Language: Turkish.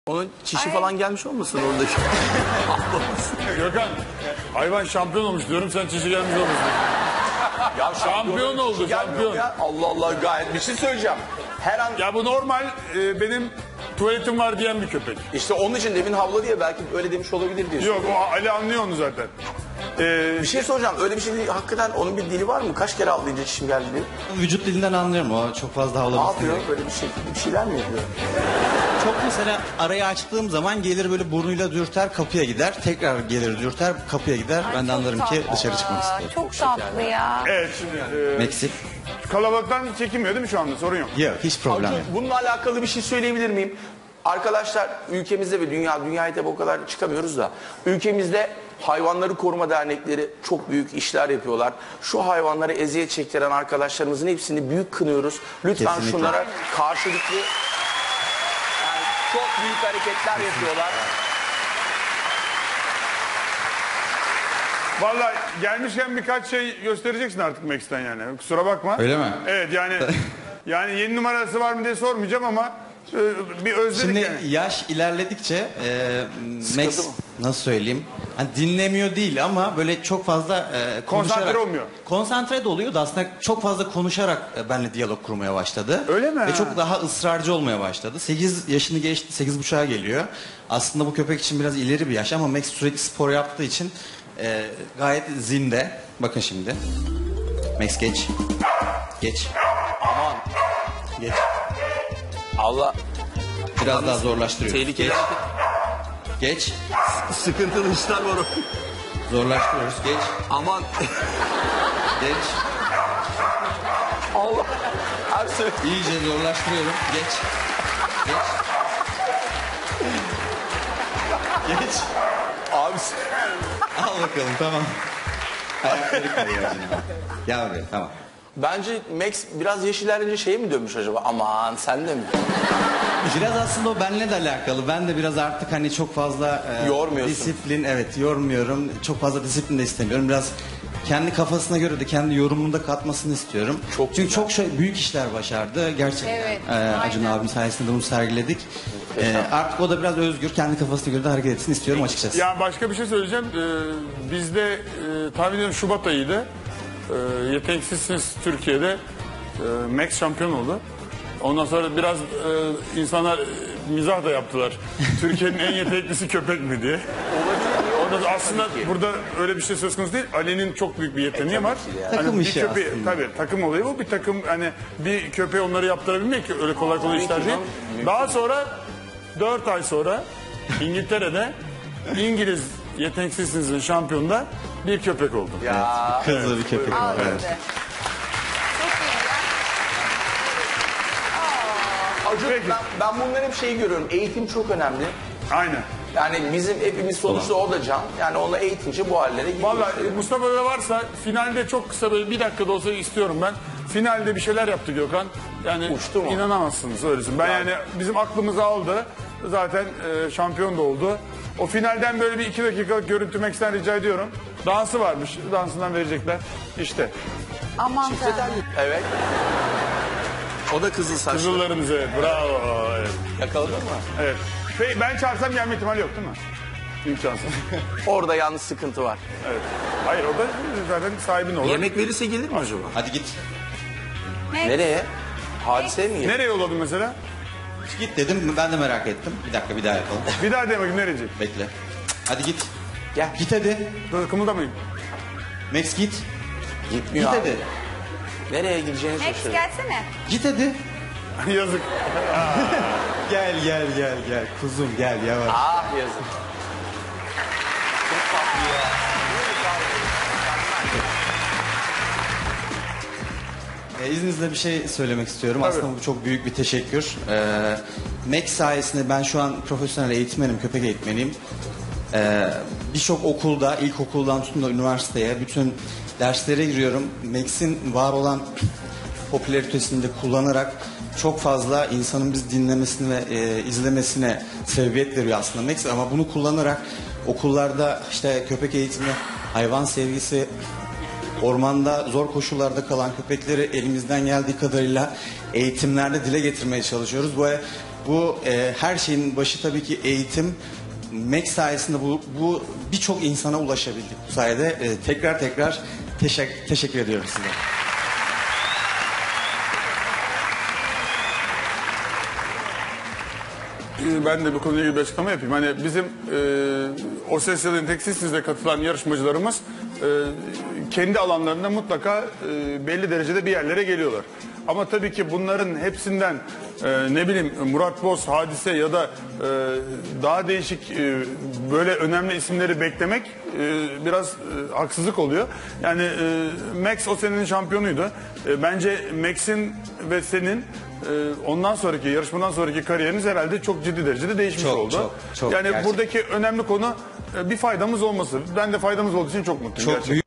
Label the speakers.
Speaker 1: Onun çişi falan gelmiş olmasın oradaki?
Speaker 2: Gökhan, hayvan şampiyon olmuş diyorum, sen çişi gelmiş olmasın.
Speaker 1: Ya
Speaker 2: Şampiyon oldu, şampiyon.
Speaker 1: Ya. Allah Allah, gayet bir şey söyleyeceğim. Her an
Speaker 2: Ya bu normal, benim tuvaletim var diyen bir köpek.
Speaker 1: işte onun için demin havladı ya, belki öyle demiş olabilir diyorsun.
Speaker 2: Yok, o Ali anlıyor onu zaten.
Speaker 1: Bir şey soracağım, öyle bir şey değil, hakikaten onun bir dili var mı? Kaç kere havlayınca çişim geldi diye.
Speaker 3: Vücut dilinden anlıyorum, o çok fazla
Speaker 1: Ne
Speaker 3: havlaması.
Speaker 1: yapıyor? Böyle bir şeyler mi yapıyor?
Speaker 3: Çok mesela arayı açtığım zaman gelir böyle burnuyla dürter kapıya gider. Tekrar gelir dürter kapıya gider. Ben de anlarım ki dışarı çıkmak istiyor.
Speaker 4: Çok tatlı ya.
Speaker 2: Evet, şimdi
Speaker 3: Meksik.
Speaker 2: kalabalıktan çekinmiyor değil mi şu anda? Sorun yok.
Speaker 3: Yok, hiç problem yok.
Speaker 1: Bununla alakalı bir şey söyleyebilir miyim? Arkadaşlar, ülkemizde ve dünyaya tabi o kadar çıkamıyoruz da, ülkemizde hayvanları koruma dernekleri çok büyük işler yapıyorlar. Şu hayvanlara eziyet çektiren arkadaşlarımızın hepsini büyük kınıyoruz. Lütfen
Speaker 3: Kesinlikle.
Speaker 1: şunlara karşılıklı, yani çok büyük hareketler yapıyorlar.
Speaker 2: Vallahi gelmişken birkaç şey göstereceksin artık Max'ten yani. Kusura bakma.
Speaker 3: Öyle mi?
Speaker 2: Evet yani yeni numarası var mı diye sormayacağım ama bir özledik
Speaker 3: Şimdi
Speaker 2: yani.
Speaker 3: yaş ilerledikçe Max
Speaker 1: mı?
Speaker 3: nasıl söyleyeyim? Hani dinlemiyor değil ama böyle çok fazla konuşarak.
Speaker 2: Konsantre olmuyor.
Speaker 3: Konsantre de oluyor da aslında çok fazla konuşarak benimle diyalog kurmaya başladı.
Speaker 2: Öyle mi?
Speaker 3: Ve çok daha ısrarcı olmaya başladı. 8 yaşını geçti, 8,5'a geliyor. Aslında bu köpek için biraz ileri bir yaş ama Max sürekli spor yaptığı için gayet zinde. Bakın şimdi. Max geç. Geç.
Speaker 1: Aman,
Speaker 3: Geç.
Speaker 1: Allah,
Speaker 3: Biraz daha zorlaştırıyor.
Speaker 1: tehlikeli
Speaker 3: Geç.
Speaker 1: hareket.
Speaker 3: Geç.
Speaker 1: Sıkıntılı işler var o.
Speaker 3: Zorlaştırıyoruz. Geç.
Speaker 1: Aman,
Speaker 3: Geç.
Speaker 1: Allah, her şey.
Speaker 3: İyice zorlaştırıyorum. Geç. Geç. Geç.
Speaker 1: Abi,
Speaker 3: Al bakalım, tamam. Ayakları kayıyor şimdi. Gel buraya, tamam.
Speaker 1: bence Max biraz yaş ilerleyince şeye mi dönmüş acaba? Aman, sen de mi?
Speaker 3: Biraz aslında o benimle de alakalı. Ben de biraz artık hani çok fazla
Speaker 1: Yormuyorsun.
Speaker 3: disiplin, evet, yormuyorum. Çok fazla disiplin de istemiyorum. Biraz kendi kafasına göre de kendi yorumunu da katmasını istiyorum.
Speaker 1: Çok
Speaker 3: Çünkü
Speaker 1: güzel.
Speaker 3: çok büyük işler başardı. Gerçekten
Speaker 4: Evet,
Speaker 3: Acun
Speaker 4: aynen.
Speaker 3: abim sayesinde bunu sergiledik. Artık o da biraz özgür, kendi kafasına göre de hareket etsin istiyorum açıkçası.
Speaker 2: Ya başka bir şey söyleyeceğim. Bizde tahmin ediyorum Şubat ayıydı. Yeteneksizsiniz Türkiye'de. Max şampiyon oldu. Ondan sonra biraz insanlar mizah da yaptılar. Türkiye'nin en yeteneklisi köpek mi diye. Orada aslında burada öyle bir şey söz konusu değil. Ali'nin çok büyük bir yeteneği var.
Speaker 1: ki de ya.
Speaker 3: Takım
Speaker 2: bir
Speaker 3: işi
Speaker 2: köpeği,
Speaker 3: aslında.
Speaker 2: tabii takım olayı bu. Bir takım hani bir köpeği onları yaptırabilmek ki öyle kolay kolay işler değil. Daha sonra 4 ay sonra İngiltere'de İngiliz yeteneksizsinizin şampiyonunda bir köpek oldu.
Speaker 1: Ya,
Speaker 3: Kızlı bir köpek var. Evet.
Speaker 4: Aldı.
Speaker 1: Acun,
Speaker 2: Peki.
Speaker 1: ben bunları hep şeyi görüyorum. Eğitim çok önemli.
Speaker 2: Aynen.
Speaker 1: Yani bizim hepimiz sonuçta o da can. Yani onu eğitince bu hallere geliyor.
Speaker 2: Vallahi Mustafa'da varsa finalde çok kısa böyle bir dakikada olsa istiyorum ben. Finalde bir şeyler yaptı Gökhan. Yani
Speaker 1: Uçtu mu?
Speaker 2: inanamazsınız öylesin. Ben yani bizim aklımızı aldı. Zaten şampiyon da oldu. O finalden böyle bir 2 dakikalık görüntü Max'ten rica ediyorum. Dansı varmış. Dansından verecekler. İşte.
Speaker 4: Aman tanrım.
Speaker 1: Evet. O da kızıl saçlı.
Speaker 2: Kızıllarımız evet. Bravo. Evet.
Speaker 1: Yakaladın mı?
Speaker 2: Evet. Peki, ben çağırsam gelme ihtimali yok değil mi? İmkansız.
Speaker 1: Orada yalnız sıkıntı var.
Speaker 2: Evet. Hayır o da zaten sahibin olur.
Speaker 1: Yemek verirse gelir mi acaba?
Speaker 3: Hadi git.
Speaker 1: Nereye? Hadise mi?
Speaker 2: Nereye yolladın mesela?
Speaker 3: Git dedim, ben de merak ettim. Bir dakika, bir daha yapalım.
Speaker 2: Bir daha de bakayım nereye?
Speaker 3: Bekle. Hadi git.
Speaker 1: Gel.
Speaker 3: Git hadi.
Speaker 2: Dur kımıldamayın.
Speaker 3: Max git.
Speaker 1: Gitmiyor
Speaker 3: Git
Speaker 1: abi.
Speaker 3: hadi.
Speaker 1: Nereye gideceğini
Speaker 4: Max
Speaker 1: şaşırıyor.
Speaker 4: gelsene.
Speaker 3: Git hadi.
Speaker 2: Yazık.
Speaker 3: Gel. Kuzum gel yavaş.
Speaker 1: Ah, yazık. Çok tatlı ya.
Speaker 3: İzninizle bir şey söylemek istiyorum.
Speaker 2: Tabii.
Speaker 3: Aslında bu çok büyük bir teşekkür. Max sayesinde ben şu an profesyonel eğitmenim, köpek eğitmeniyim. Birçok okulda, ilkokuldan tutun da üniversiteye bütün derslere giriyorum. Max'in var olan popülaritesini de kullanarak çok fazla insanın bizi dinlemesine ve izlemesine sebebiyet veriyor aslında Max. Ama bunu kullanarak okullarda işte köpek eğitimi, hayvan sevgisi ormanda zor koşullarda kalan köpekleri elimizden geldiği kadarıyla eğitimlerde dile getirmeye çalışıyoruz. Bu her şeyin başı tabii ki eğitim. Max sayesinde bu birçok insana ulaşabildik bu sayede. Tekrar teşekkür ediyorum size.
Speaker 2: Ben de bu konuyla ilgili bir açıklama yapayım. Hani bizim O Ses ya da Yeteneksizsiz'e katılan yarışmacılarımız kendi alanlarında mutlaka belli derecede bir yerlere geliyorlar. Ama tabii ki bunların hepsinden ne bileyim Murat Boz, Hadise ya da daha değişik böyle önemli isimleri beklemek biraz haksızlık oluyor. Yani Max o senenin şampiyonuydu. Bence Max'in ve senin ondan sonraki yarışmadan sonraki kariyeriniz herhalde çok ciddi derecede değişmiş oldu.
Speaker 3: Çok,
Speaker 2: yani
Speaker 3: gerçekten.
Speaker 2: buradaki önemli konu bir faydamız olması. Ben de faydamız olduğu için çok mutluyum.
Speaker 3: Çok
Speaker 2: gerçekten.